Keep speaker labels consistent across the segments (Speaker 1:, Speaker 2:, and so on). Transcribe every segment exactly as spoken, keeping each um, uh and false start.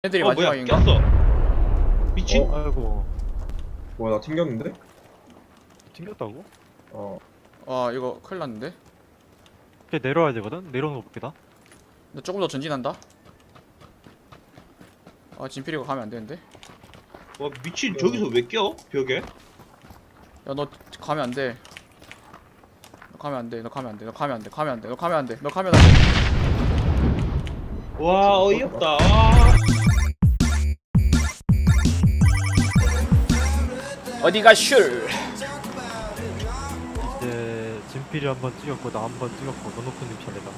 Speaker 1: 애들이
Speaker 2: 어 뭐야
Speaker 1: 마지막인가?
Speaker 2: 꼈어. 미친.
Speaker 3: 어, 아이고.
Speaker 4: 뭐야 나 튕겼는데?
Speaker 3: 튕겼다고?
Speaker 4: 어
Speaker 1: 아 이거 큰일 났는데?
Speaker 3: 이제 내려와야 되거든? 내려오는 거 보기다.
Speaker 1: 나 조금 더 전진한다. 아 진필이가 가면 안 되는데?
Speaker 2: 와 미친 저기서 왜 껴? 벽에?
Speaker 1: 야 너 가면 안 돼. 너 가면 안 돼. 너 가면 안 돼. 너 가면 안 돼. 가면 안 돼. 너 가면 안 돼. 너 가면 안 돼.
Speaker 2: 와 어이없다. 아.
Speaker 1: 어디가 슐?
Speaker 3: 이제 진필이 한 번 찍었고 나 한 번 찍었고 너노프님 차례다.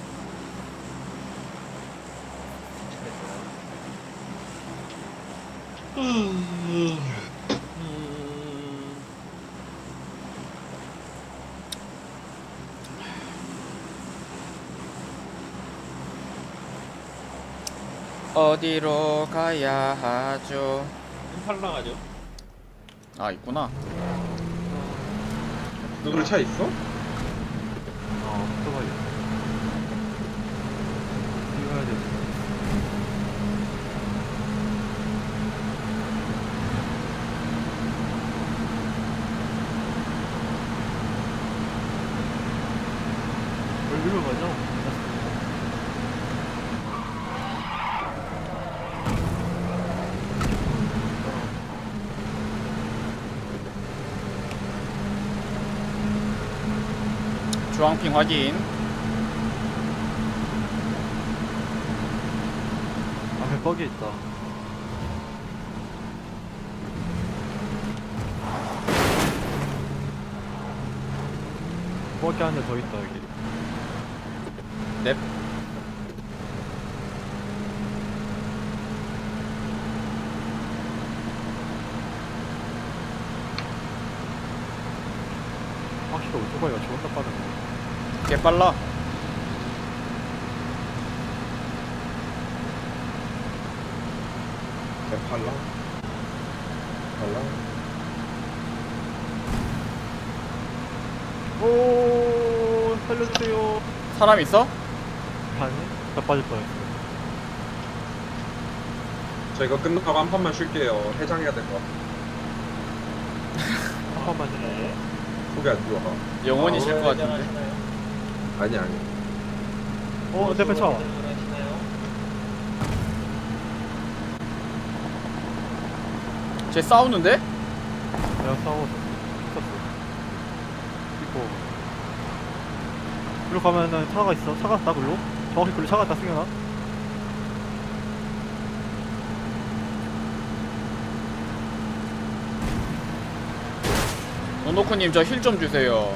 Speaker 2: 음.
Speaker 1: 어디로 가야 하죠?
Speaker 2: 팔랑 하죠.
Speaker 1: 아 있구나.
Speaker 4: 너들 차 있어?
Speaker 3: 어, 오토바이. 뛰어야 돼. 여기로 가자.
Speaker 1: 주황핑 확인.
Speaker 3: 앞에 뻑이 있다. 뻑이 안에 더 있다 여기.
Speaker 1: 넵.
Speaker 3: 확실히 오토바이가 존나 빠르네.
Speaker 1: 개 빨라.
Speaker 4: 발랑 발랑
Speaker 3: 오, 살려주세요.
Speaker 1: 사람 있어?
Speaker 3: 아니, 나 빠질 뻔했어.
Speaker 4: 저 이거 끝나고 한 판만 쉴게요. 해장해야 될 것 같아.
Speaker 3: 한 번만 해.
Speaker 4: 속이 안 좋아.
Speaker 1: 영원히
Speaker 2: 아,
Speaker 1: 쉴 것 같은데.
Speaker 2: 하시나요?
Speaker 4: 아니 아니.
Speaker 3: 어, 내 앞에 차.
Speaker 2: 하시나요?
Speaker 1: 쟤 싸우는데?
Speaker 3: 내가 싸워서 있었어. 있고. 글로 가면은 차가 있어. 차가 있다, 글로? 정확히 글로 차가 있다, 승현아.
Speaker 1: 노노코님 저 힐 좀 주세요.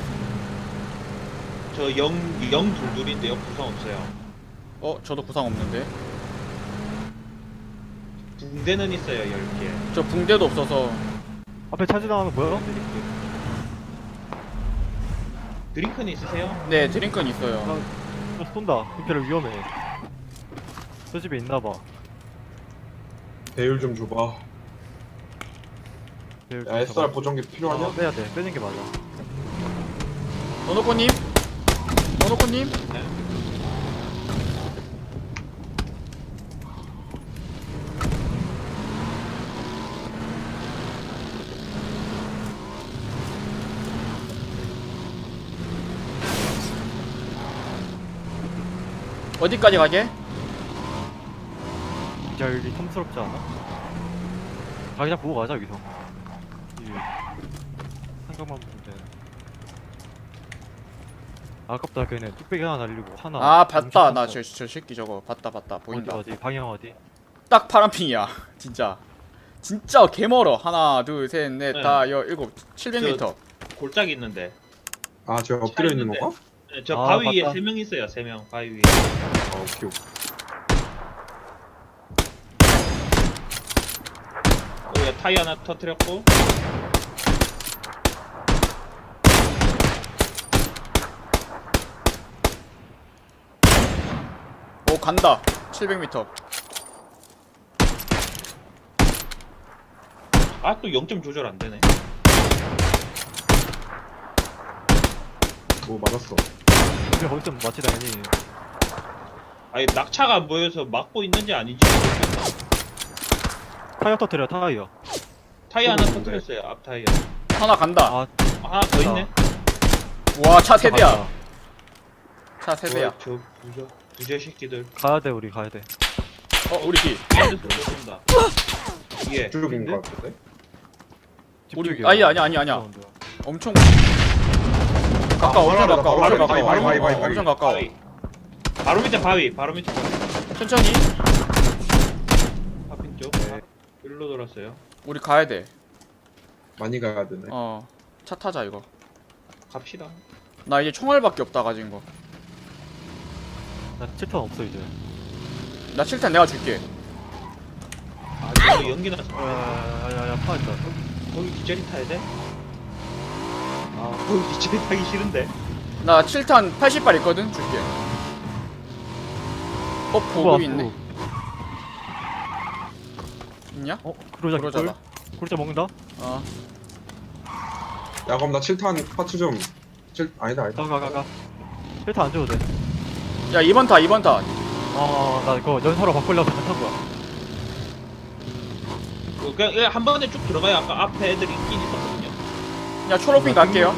Speaker 2: 저 영, 영 둘둘인데요. 구성 없어요.
Speaker 1: 어 저도 구상 없는데.
Speaker 2: 붕대는 있어요. 열 개.
Speaker 1: 저 붕대도 없어서.
Speaker 3: 앞에 차 지나가면 뭐야?
Speaker 2: 드링크. 드링크는 있으세요?
Speaker 1: 네 드링크는 있어요.
Speaker 3: 나, 나 쏜다. 임페를 위험해. 저 집에 있나봐.
Speaker 4: 배율 좀 줘봐. 야 에스알 보정기 필요하냐?
Speaker 3: 아, 빼야 돼. 빼는 게 맞아.
Speaker 1: 노노코님? 노노코님?
Speaker 2: 네.
Speaker 1: 어디까지 가게?
Speaker 3: 이제 여기 탐스럽지 않아? 다 그냥 보고 가자, 여기서. 이 한강만 보면 돼. 아깝다, 걔네 뚝배기 하나 날리고 하나.
Speaker 1: 아 봤다. 나
Speaker 3: 저
Speaker 1: 저 저 새끼 저거 봤다 봤다 보인다.
Speaker 3: 어디, 어디, 방향 어디?
Speaker 1: 딱 파란핑이야. 진짜. 진짜 개멀어. 하나 둘 셋 넷
Speaker 2: 네.
Speaker 1: 다 여 일곱 칠백 미터.
Speaker 2: 골짜기 있는데.
Speaker 4: 아 제가 엎드려 있는
Speaker 2: 있는데.
Speaker 4: 건가?
Speaker 2: 네, 저
Speaker 3: 아,
Speaker 2: 바위 위에
Speaker 3: 맞다.
Speaker 2: 세 명 있어요. 세 명 바위 위에.
Speaker 4: 아 오케이 오케이.
Speaker 2: 여기 타이 하나 터뜨렸고.
Speaker 1: 오 간다. 칠백 미터.
Speaker 2: 아 또 영 점 조절 안 되네.
Speaker 4: 뭐 맞았어.
Speaker 3: 근데 거기서 맞지, 당연히.
Speaker 2: 아니 낙차가 안 보여서 막고 있는지 아닌지 모르겠다.
Speaker 3: 타이어 터뜨려 타이어.
Speaker 2: 타이어 하나
Speaker 4: 어,
Speaker 2: 터뜨렸어요. 앞 타이어.
Speaker 1: 하나 간다.
Speaker 3: 아
Speaker 2: 하나 더 있네.
Speaker 1: 와, 차 세대야.
Speaker 3: 간다.
Speaker 1: 차 세대야.
Speaker 2: 와, 저 부저 부저 새끼들.
Speaker 3: 가야 돼 우리 가야 돼.
Speaker 1: 어, 우리 뒤.
Speaker 2: 밴드에서 쏜다. 예.
Speaker 4: 쪽인 것 같은데?
Speaker 1: 우리-
Speaker 3: 집중이야.
Speaker 1: 아니, 아니, 아니, 아니야.
Speaker 3: 사운드.
Speaker 1: 엄청 가까워. 엄청
Speaker 4: 바로
Speaker 1: 가까워.
Speaker 4: 바로
Speaker 1: 엄청
Speaker 4: 바위,
Speaker 1: 가까워.
Speaker 4: 바위, 바위, 바위,
Speaker 1: 어,
Speaker 4: 바위.
Speaker 1: 엄청 가까워.
Speaker 2: 바위. 바로 밑에 바위. 바로 밑에 바위.
Speaker 1: 천천히.
Speaker 2: 파핀 쪽.
Speaker 3: 네.
Speaker 2: 일로 돌았어요.
Speaker 1: 우리 가야 돼.
Speaker 4: 많이 가야 되네.
Speaker 1: 어. 차 타자 이거.
Speaker 2: 갑시다.
Speaker 1: 나 이제 총알밖에 없다 가진 거.
Speaker 3: 나 칠탄 없어 이제.
Speaker 1: 나 칠탄 내가 줄게.
Speaker 2: 아, 저기 연기 났어.
Speaker 3: 야야야야 파했다.
Speaker 2: 거기 뒷자리 타야 돼? 아, 거기 뒷자리 타기 싫은데.
Speaker 1: 나 칠탄 팔십 발 있거든. 줄게. 어, 보급 있네. 있냐?
Speaker 3: 어 그러자
Speaker 1: 그러자다.
Speaker 3: 그러자. 그러자 먹는다.
Speaker 1: 어.
Speaker 4: 야 그럼 나 칠 탄 파츠 좀. 칠 아니다 아니다.
Speaker 3: 가가가가. 칠탄 안 줘도 돼.
Speaker 1: 야, 이 번 타. 이 번 타.
Speaker 3: 어나 그거 연사로 바꾸려고 잘탄 거야.
Speaker 2: 그, 그냥 그냥 한 번에 쭉 들어가야 아까 앞에 애들이 있긴 있었거든요.
Speaker 1: 야, 초록핑 갈게요.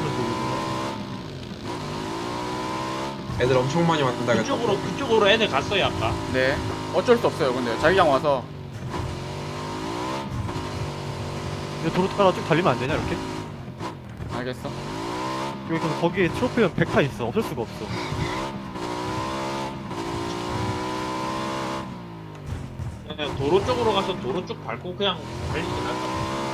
Speaker 4: 애들 엄청 많이 왔다 그랬다.
Speaker 2: 그쪽으로 그쪽으로 애들 갔어요 아까.
Speaker 1: 네. 어쩔 수 없어요. 근데 자기장 와서
Speaker 3: 이거 도로 따라 쭉 달리면 안 되냐 이렇게?
Speaker 1: 알겠어.
Speaker 3: 여기 그럼 거기에 트로피는 백 타 있어. 없을 수가 없어.
Speaker 2: 그냥 도로 쪽으로 가서 도로 쪽 밟고 그냥 달리지 않을까.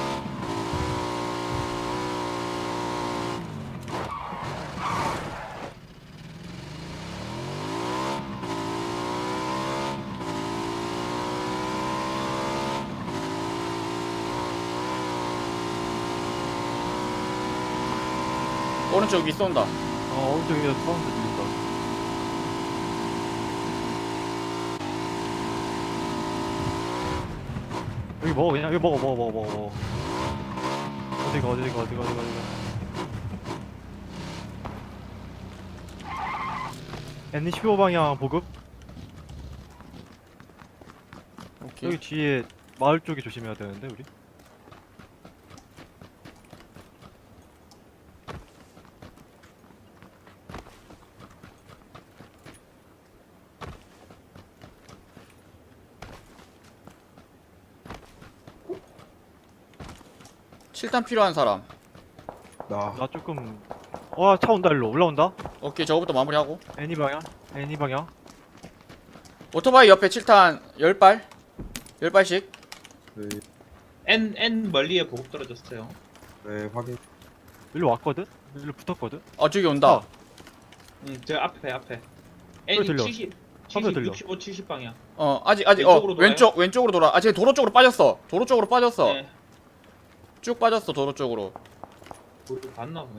Speaker 1: 오른쪽 위 쏜다.
Speaker 3: 어 오른쪽에 사운드 들린다. 여기 먹어 그냥 여기 먹어 먹어 먹어 먹어 먹어. 어디가 어디가 어디가 어디가 어디가. 엔 십오 방향 보급.
Speaker 1: 오케이.
Speaker 3: 여기 뒤에 마을 쪽에 조심해야 되는데 우리.
Speaker 1: 칠탄 필요한 사람.
Speaker 4: 나
Speaker 3: 나 조금 와 차 온다 일로 올라온다.
Speaker 1: 오케이, 저거부터 마무리하고.
Speaker 3: 애니 방향 애니 방향.
Speaker 1: 오토바이 옆에 칠탄 십 발. 십 발씩.
Speaker 4: 네,
Speaker 2: N N 멀리에 보급 떨어졌어요.
Speaker 4: 네 확인.
Speaker 3: 일로 왔거든. 일로 붙었거든.
Speaker 1: 어, 저기 온다.
Speaker 2: 응, 저 앞에 앞에.
Speaker 3: 소리
Speaker 2: N
Speaker 3: 들려.
Speaker 2: 칠십,
Speaker 3: 소리
Speaker 2: 칠십,
Speaker 3: 들려.
Speaker 2: 육십오, 칠십 방향.
Speaker 1: 어, 아직 아직 어,
Speaker 2: 왼쪽으로 돌아요?
Speaker 1: 왼쪽 왼쪽으로 돌아. 아, 쟤 도로 쪽으로 빠졌어. 도로 쪽으로 빠졌어.
Speaker 2: 네.
Speaker 1: 쭉 빠졌어. 도로 쪽으로.
Speaker 2: 우리 봤나 보네.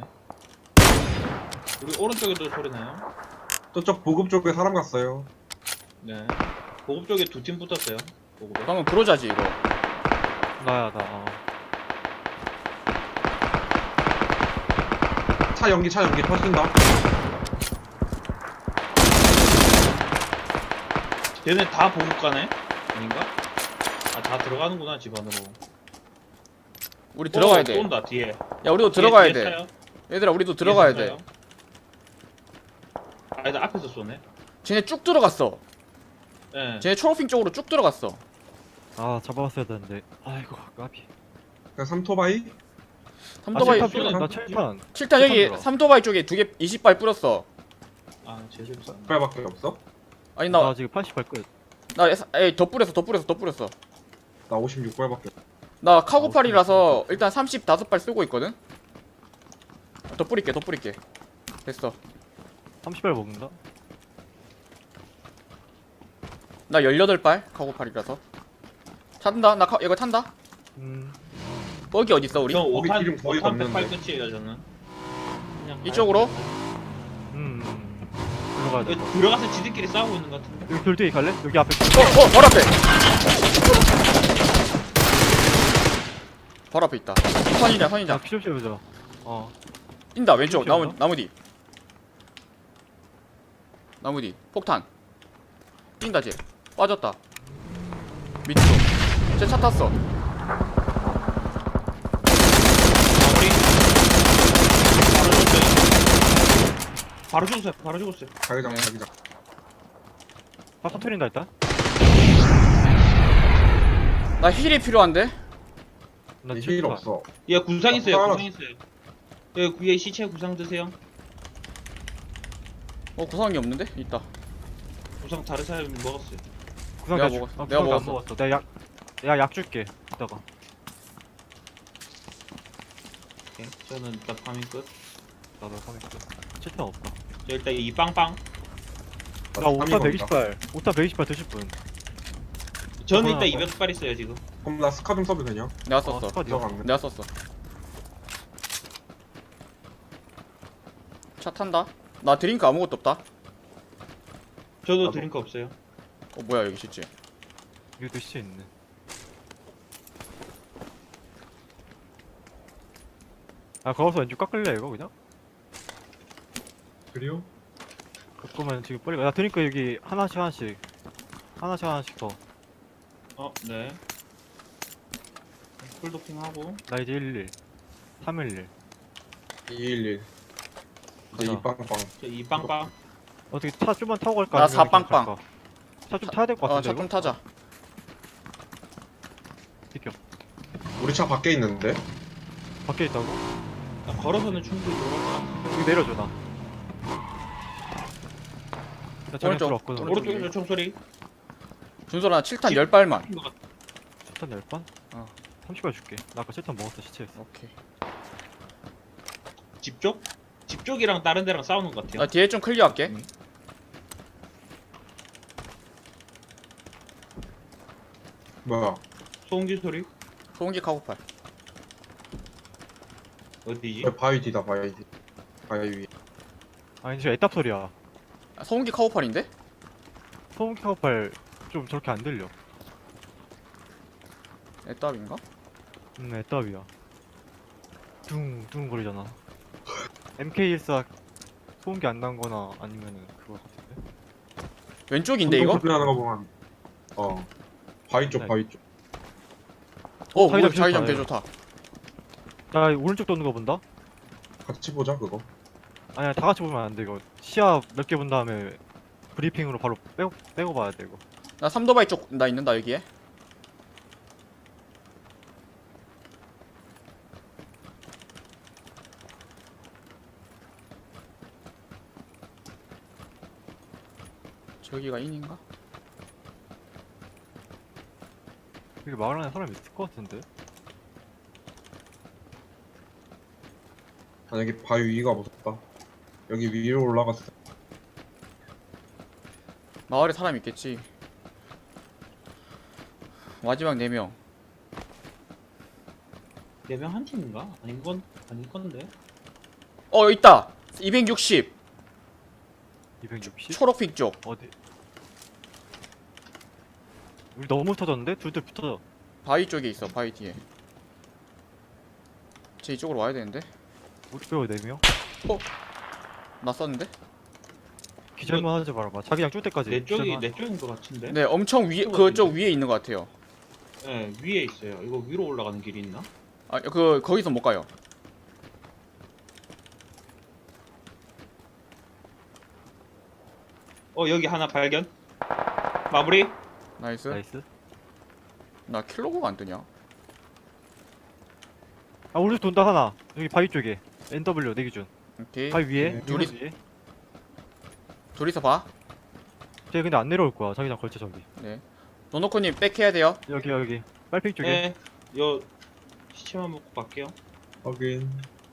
Speaker 2: 우리 오른쪽에도 소리 나요?
Speaker 4: 저쪽 보급 쪽에 사람 갔어요.
Speaker 2: 네. 보급 쪽에 두 팀 붙었어요. 보급에.
Speaker 1: 방금 브로자지 이거.
Speaker 3: 나야 나. 어.
Speaker 4: 차 연기 차 연기 터진다.
Speaker 2: 얘네 다 보급 가네? 아닌가? 아, 다 들어가는구나, 집 안으로.
Speaker 1: 우리 들어가야
Speaker 2: 어,
Speaker 1: 돼.
Speaker 2: 쏜다, 뒤에.
Speaker 1: 야, 우리도
Speaker 2: 뒤에,
Speaker 1: 들어가야
Speaker 2: 뒤에
Speaker 1: 돼.
Speaker 2: 차요?
Speaker 1: 얘들아, 우리도 들어가야
Speaker 2: 뒤에서
Speaker 1: 돼.
Speaker 2: 차요? 아니다, 앞에서 쏘네.
Speaker 1: 쟤네 쭉 들어갔어.
Speaker 2: 예.
Speaker 1: 쟤네 초록핑 쪽으로 쭉 들어갔어.
Speaker 3: 아 잡아봤어야 되는데. 아이고 까비.
Speaker 4: 그냥 삼토바이?
Speaker 1: 삼토바이
Speaker 3: 아,
Speaker 2: 쏘-
Speaker 3: 칠탄 나 칠탄.
Speaker 1: 칠탄 여기
Speaker 3: 칠탄 들어.
Speaker 1: 삼토바이 쪽에 두 개 이십 발 뿌렸어.
Speaker 2: 아, 제대로 쐈네.
Speaker 4: 발밖에 없어?
Speaker 1: 아니
Speaker 3: 나,
Speaker 1: 나
Speaker 3: 지금 팔십 발 끝.
Speaker 1: 나 에이 더 뿌렸어. 더 뿌렸어. 더 뿌렸어.
Speaker 4: 나 오십육 발밖에 없어.
Speaker 1: 나 카고팔이라서 일단 삼십오 발 쓰고 있거든. 더 뿌릴게. 더 뿌릴게. 됐어.
Speaker 3: 삼십 발 먹는다.
Speaker 1: 나 십팔 발 카고팔이라서. 탄다. 나 카, 이거 탄다.
Speaker 3: 음.
Speaker 1: 뻑이 어디 있어 우리?
Speaker 2: 저
Speaker 4: 거기
Speaker 2: 오탄,
Speaker 4: 기름 거의
Speaker 2: 오탄 백팔
Speaker 4: 없는데.
Speaker 2: 끝이에요, 저는. 그냥
Speaker 1: 이쪽으로?
Speaker 3: 음. 일로 가야 돼.
Speaker 2: 가요. 여기 들어가서 지들끼리 싸우고 있는 것 같은데.
Speaker 3: 여기 돌덩이 갈래? 여기 앞에.
Speaker 1: 어, 어, 바로 앞에. 바로 앞에 있다. 선이자,
Speaker 3: 자
Speaker 1: 선이자.
Speaker 3: 피좀 씌워보자. 어.
Speaker 1: 뛴다. 왼쪽
Speaker 3: 이렇게
Speaker 1: 나무
Speaker 3: 온다?
Speaker 1: 나무 뒤. 나무 뒤. 폭탄. 뛴다 쟤. 빠졌다. 밑으로. 쟤 차 탔어.
Speaker 2: 바로 죽었어요. 바로 죽었어요.
Speaker 4: 자기장
Speaker 1: 네.
Speaker 4: 자기장.
Speaker 3: 아 터트린다 일단.
Speaker 1: 나 힐이 필요한데?
Speaker 3: 나
Speaker 4: 힐
Speaker 3: 칠
Speaker 4: 없어.
Speaker 2: 얘 구상
Speaker 4: 아,
Speaker 2: 있어요.
Speaker 4: 하나-
Speaker 2: 구상 있어요. 얘 위에 시체 구상 드세요.
Speaker 1: 어 구상이 없는데? 있다.
Speaker 2: 구상 다른 사람이 먹었어요.
Speaker 3: 구상
Speaker 1: 내가
Speaker 3: 주-
Speaker 1: 먹었어.
Speaker 3: 아,
Speaker 1: 내가
Speaker 3: 구상 안
Speaker 1: 먹었어.
Speaker 3: 먹었어. 내가 약 내가 약 줄게. 이따가.
Speaker 2: 오케이. 저는 일단 파밍 끝.
Speaker 3: 나도 하면 있어. 칠탄 없다.
Speaker 2: 저 일단 이 빵빵.
Speaker 3: 나 오탄 백이십 발. 오탄 백이십 발 드실 분.
Speaker 2: 저는
Speaker 3: 하나
Speaker 2: 일단
Speaker 3: 더.
Speaker 2: 이백 발 있어요 지금.
Speaker 4: 그럼 나 스카 좀 써도 되냐?
Speaker 1: 내가
Speaker 3: 어,
Speaker 1: 썼어.
Speaker 3: 스쿼드요.
Speaker 4: 들어갔네.
Speaker 1: 내가 썼어. 차 탄다. 나 드링크 아무것도 없다.
Speaker 2: 저도
Speaker 4: 나도.
Speaker 2: 드링크 없어요.
Speaker 1: 어 뭐야 여기 시체.
Speaker 3: 여기도 시체 있네. 아 거기서 왼쪽 깎을래 이거 그냥?
Speaker 4: 그래요?
Speaker 3: 그거면 지금 빨리 가. 나 드니까 여기 하나씩 하나씩 하나씩 하나씩 더.
Speaker 2: 어, 네. 풀도핑하고.
Speaker 3: 나 이제 일일 삼일일.
Speaker 4: 이일일. 이제
Speaker 3: 가자.
Speaker 4: 이 빵빵.
Speaker 2: 저 이 빵빵.
Speaker 3: 어떻게 차 좀만 타고 갈까?
Speaker 1: 나
Speaker 3: 아니면 그냥
Speaker 1: 사빵빵.
Speaker 3: 갈까? 차 좀 타야 될 것
Speaker 1: 어
Speaker 3: 같은데
Speaker 1: 차 좀
Speaker 3: 이거?
Speaker 1: 타자.
Speaker 3: 비켜.
Speaker 4: 우리 차 밖에 있는데?
Speaker 3: 밖에 있다고?
Speaker 2: 나 걸어서는 충분히 들어갈 것 같은데.
Speaker 3: 여기 내려줘 나. 나 자기
Speaker 1: 오른쪽.
Speaker 3: 들어왔거든.
Speaker 1: 오른쪽.
Speaker 2: 오른쪽에서 총소리.
Speaker 1: 준솔아 칠탄
Speaker 2: 집-
Speaker 1: 열 발만.
Speaker 2: 것 같아.
Speaker 3: 칠탄 열 번?
Speaker 1: 어.
Speaker 3: 삼십 발 줄게. 나 아까 칠탄 먹었어 시체에서.
Speaker 1: 오케이.
Speaker 2: 집 쪽? 집 쪽이랑 다른 데랑 싸우는 것 같아요.
Speaker 1: 나 뒤에 좀 클리어할게.
Speaker 2: 음.
Speaker 4: 뭐야?
Speaker 2: 소음기 소리?
Speaker 1: 소음기 카고팔.
Speaker 2: 어디지?
Speaker 4: 저 바위 뒤다 바위 뒤. 바위 위.
Speaker 3: 아니 저 애답 소리야.
Speaker 1: 아, 소음기 카고팔인데?
Speaker 3: 소음기 카고팔 좀 저렇게 안 들려.
Speaker 1: 애답인가?
Speaker 3: 음 애답이야. 둥둥 거리잖아. 엠케이일사 소음기 안 난 거나 아니면은 그거 같은데?
Speaker 1: 왼쪽인데 이거?
Speaker 4: 소리 나는 거 보면. 어. 바위 쪽
Speaker 3: 네.
Speaker 4: 바위 쪽.
Speaker 1: 어
Speaker 3: 자기장
Speaker 1: 뭐 자기장
Speaker 3: 좋다,
Speaker 1: 개 좋다.
Speaker 3: 나 오른쪽 도는 거 본다?
Speaker 4: 같이 보자 그거.
Speaker 3: 아니야 다 같이 보면 안 돼 이거. 시야 몇 개 본 다음에 브리핑으로 바로 빼고 빼고 봐야 돼 이거.
Speaker 1: 나 삼도바이 쪽 나 있는다 여기에. 저기가 인인가?
Speaker 3: 여기 마을 안에 사람 있을 것 같은데?
Speaker 4: 아 여기 바위 위가 무섭다. 여기 위로 올라갔어.
Speaker 1: 마을에 사람 있겠지. 마지막 네 명.
Speaker 2: 네 명 한 팀인가? 아닌 건 아닐 건데.
Speaker 1: 어 있다. 이백육십
Speaker 3: 이백육십?
Speaker 1: 초록빛 쪽.
Speaker 3: 어디? 우리 너무 터졌는데? 둘둘 붙어져.
Speaker 1: 바위 쪽에 있어. 바위 뒤에. 쟤 이쪽으로 와야 되는데.
Speaker 3: 우리 빼고 네 명?
Speaker 1: 나 썼는데?
Speaker 3: 기절만 하지 말아봐. 자기장 줄 때까지.
Speaker 2: 내 쪽이
Speaker 3: 기절만
Speaker 2: 내 쪽인 것 같은데.
Speaker 1: 네, 엄청 위에
Speaker 2: 이쪽으로
Speaker 1: 그쪽
Speaker 2: 왔는데?
Speaker 1: 위에 있는 것 같아요.
Speaker 2: 네, 위에 있어요. 이거 위로 올라가는 길이 있나?
Speaker 1: 아, 그 거기서 못 가요.
Speaker 2: 어, 여기 하나 발견. 마무리.
Speaker 1: 나이스.
Speaker 3: 나이스.
Speaker 1: 나 킬로그가 안 뜨냐?
Speaker 3: 아 오른쪽 돈다 하나. 여기 바위 쪽에. 엔더블유 내 기준.
Speaker 1: 오케이.
Speaker 3: 바위 위에.
Speaker 4: 네.
Speaker 3: 둘이
Speaker 1: 둘이-
Speaker 3: 위에.
Speaker 1: 둘이서 봐.
Speaker 3: 쟤 근데 안 내려올 거야. 자기장 걸쳐 저기.
Speaker 1: 네. 노노코님 백해야 돼요.
Speaker 3: 여기 여기. 빨핑 쪽에.
Speaker 2: 네. 요 시체만 먹고 갈게요.
Speaker 4: 확인.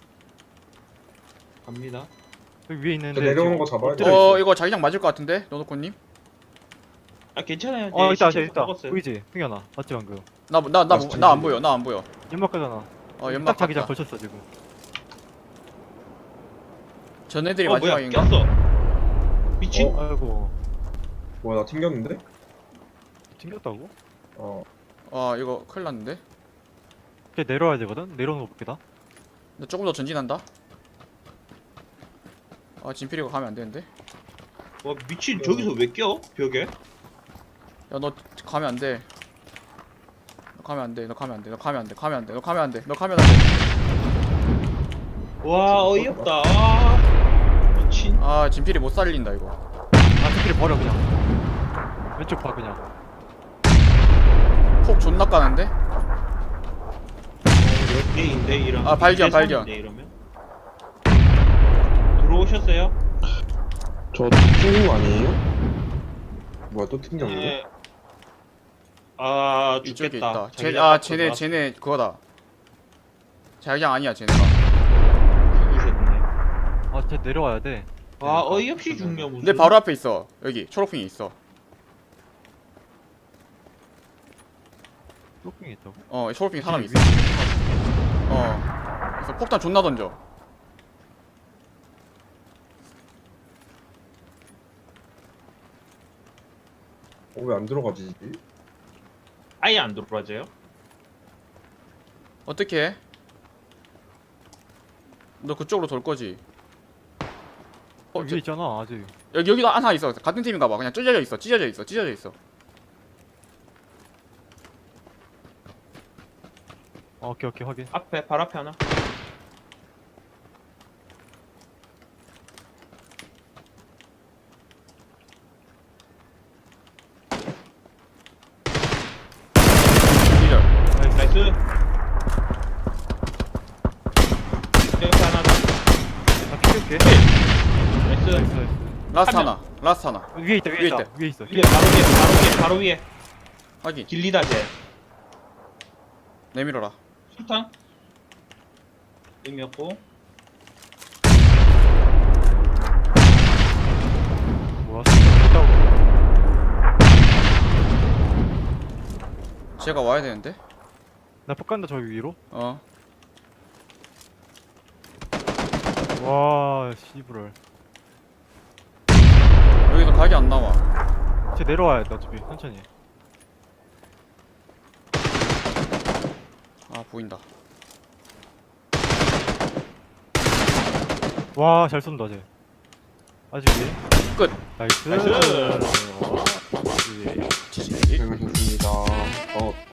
Speaker 2: 갑니다.
Speaker 3: 여기 위에 있는데.
Speaker 4: 저 내려오는
Speaker 3: 지금
Speaker 4: 거 잡아야 돼.
Speaker 3: 엎드려 있어.
Speaker 1: 어, 이거 자기장 맞을 것 같은데, 노노코님?
Speaker 2: 아, 괜찮아요.
Speaker 3: 어
Speaker 2: 네,
Speaker 3: 있다
Speaker 2: 시체
Speaker 3: 있다 있다.
Speaker 2: 먹었어요.
Speaker 3: 보이지? 승현아. 맞지 방금.
Speaker 1: 나 나 나
Speaker 4: 맞지,
Speaker 1: 나 안
Speaker 4: 맞지.
Speaker 1: 보여. 나 안 보여.
Speaker 3: 연막 가잖아.
Speaker 1: 어, 연막
Speaker 3: 딱 자기장
Speaker 1: 갔다.
Speaker 3: 걸쳤어 지금.
Speaker 1: 전애들이
Speaker 2: 어, 뭐야?
Speaker 1: 마지막인가?
Speaker 2: 꼈어. 미친.
Speaker 4: 어?
Speaker 3: 아이고.
Speaker 4: 뭐야 나 튕겼는데?
Speaker 3: 튕겼다고?
Speaker 4: 어.
Speaker 1: 아, 이거 큰일 났는데.
Speaker 3: 걔 내려와야 되거든? 내려오는 거 볼게다.
Speaker 1: 나 조금 더 전진한다. 아, 진필이가 가면 안 되는데.
Speaker 2: 와, 미친. 저기서 왜 껴? 벽에?
Speaker 1: 야, 너 가면 안 돼. 너 가면 안 돼. 너 가면 안 돼. 너 가면 안 돼. 가면 안 돼. 너 가면 안 돼. 너 가면 안 돼.
Speaker 2: 와 어이없다. 아, 미친.
Speaker 1: 아, 진필이 못 살린다 이거.
Speaker 3: 아 스킬을 버려 그냥. 왼쪽 봐 그냥.
Speaker 1: 폭 존나 까는데?
Speaker 2: 몇 개인데 이러면?
Speaker 1: 아, 발견,
Speaker 2: 이 대 삼인데,
Speaker 1: 발견.
Speaker 2: 이러면? 들어오셨어요?
Speaker 4: 저 튕긴 거 아니에요? 뭐야 또 튕겼네?
Speaker 2: 네. 아
Speaker 1: 이쪽에
Speaker 2: 죽겠다.
Speaker 1: 있다. 쟤,
Speaker 2: 자기장
Speaker 1: 아,
Speaker 2: 갖고
Speaker 1: 쟤네,
Speaker 2: 나왔-
Speaker 1: 쟤네 그거다. 자기장 아니야, 쟤네가.
Speaker 2: 죽으셨네.
Speaker 3: 아쟤 내려와야 돼.
Speaker 2: 와 어이없이 죽냐 무슨?
Speaker 1: 내 바로 앞에 있어. 여기 초록핑이 있어.
Speaker 3: 쇼핑이 있다고?
Speaker 1: 어, 초록핑 사람이 있어.
Speaker 3: 위에
Speaker 1: 어. 그래서 폭탄 존나 던져.
Speaker 4: 어, 왜 안 들어가지?
Speaker 2: 아예 안 들어와져요?
Speaker 1: 어떻게 해? 너 그쪽으로 돌 거지?
Speaker 3: 어,
Speaker 1: 어,
Speaker 3: 위에 있잖아 아직.
Speaker 1: 여기 여기도 하나 있어. 같은 팀인가 봐. 그냥 찢어져 있어. 찢어져 있어. 찢어져 있어.
Speaker 3: 어, 오케이 오케이 확인.
Speaker 2: 앞에 발 앞에 하나.
Speaker 1: 기절.
Speaker 2: 나이스. 여기 하나 더.
Speaker 3: 나 키울게.
Speaker 2: 나이스.
Speaker 3: 나이스 나이스.
Speaker 1: 라스트
Speaker 2: 한
Speaker 1: 하나. 라스트 하나.
Speaker 3: 위에 있다 위에,
Speaker 1: 위에
Speaker 3: 있다.
Speaker 1: 있다.
Speaker 3: 위에 있어.
Speaker 2: 위에 바로 위에 바로 위에 바로 위에
Speaker 1: 확인.
Speaker 2: 길리다 쟤.
Speaker 1: 내밀어라.
Speaker 2: 수탄. 의미없고.
Speaker 3: 뭐야? 스킬 있다고.
Speaker 1: 쟤가 와야 되는데?
Speaker 3: 나폭 간다 저 위로.
Speaker 1: 어.
Speaker 3: 와 씨부럴.
Speaker 1: 여기서 각이 안 나와.
Speaker 3: 쟤 내려와야 돼 어차피 천천히.
Speaker 1: 아, 보인다.
Speaker 3: 와 잘 쏜다 쟤. 아직 위에.
Speaker 1: 끝.
Speaker 3: 나이스.
Speaker 2: 나이스.
Speaker 3: 어, 위에.
Speaker 1: 지지.
Speaker 4: 재밌었습니다. 어